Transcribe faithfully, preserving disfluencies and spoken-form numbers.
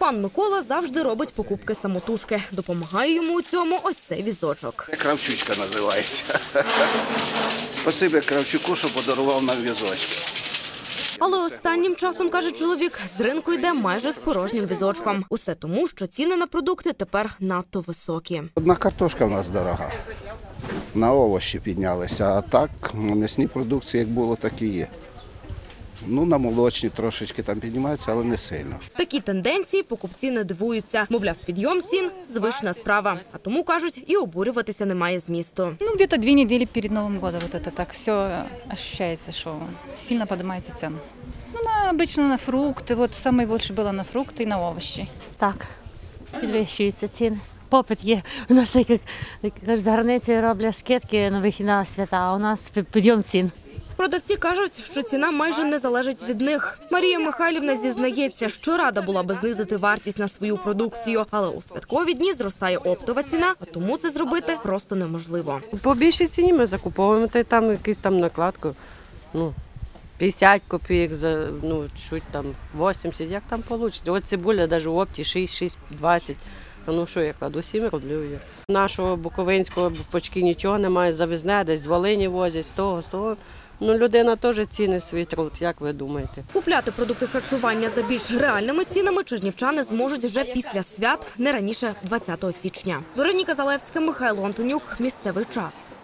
Пан Микола завжди робить покупки самотужки. Допомагає йому у цьому ось цей візочок. Кравчучка називається. Спасибі Кравчуку, що подарував нам візочки. Але останнім часом, каже чоловік, з ринку йде майже з порожнім візочком. Усе тому, що ціни на продукти тепер надто високі. Одна картошка в нас дорога. На овочі піднялися, а так на м'ясні продукції як було, так і є. Ну, на молочні трошечки там піднімаються, але не сильно. Такі тенденції покупці не дивуються. Мовляв, підйом цін – звична справа. А тому, кажуть, і обурюватися немає змісту. Ну, где-то две недели перед Новым годом вот это так все ощущается, что сильно поднимаются цены. Ну, на, обычно на фрукты, вот самое больше было на фрукты и на овощи. Так, підвищуються ціни. Попит є. У нас так, як, як кажуть, за границею роблять скидки на вихід на свята, а у нас підйом цін. Продавці кажуть, що ціна майже не залежить від них. Марія Михайлівна зізнається, що рада була би знизити вартість на свою продукцію, але у святкові дні зростає оптова ціна, а тому це зробити просто неможливо. По більшій ціні ми закуповуємо, та й там якусь там накладку, ну, п'ятдесят копійок, за, ну, чуть там вісімдесят, як там вийде. От цибуля навіть в опті шість, шість, двадцять. А ну що, я кладу, сім роблю. Нашого буковинського почки нічого немає, завезне, десь з Волині возять, з того, з того. Ну, людина теж цінить свій труд, як ви думаєте? Купляти продукти харчування за більш реальними цінами чернівчани зможуть вже після свят, не раніше двадцятого січня. Вероніка Залевська, Михайло Антонюк. Місцевий час.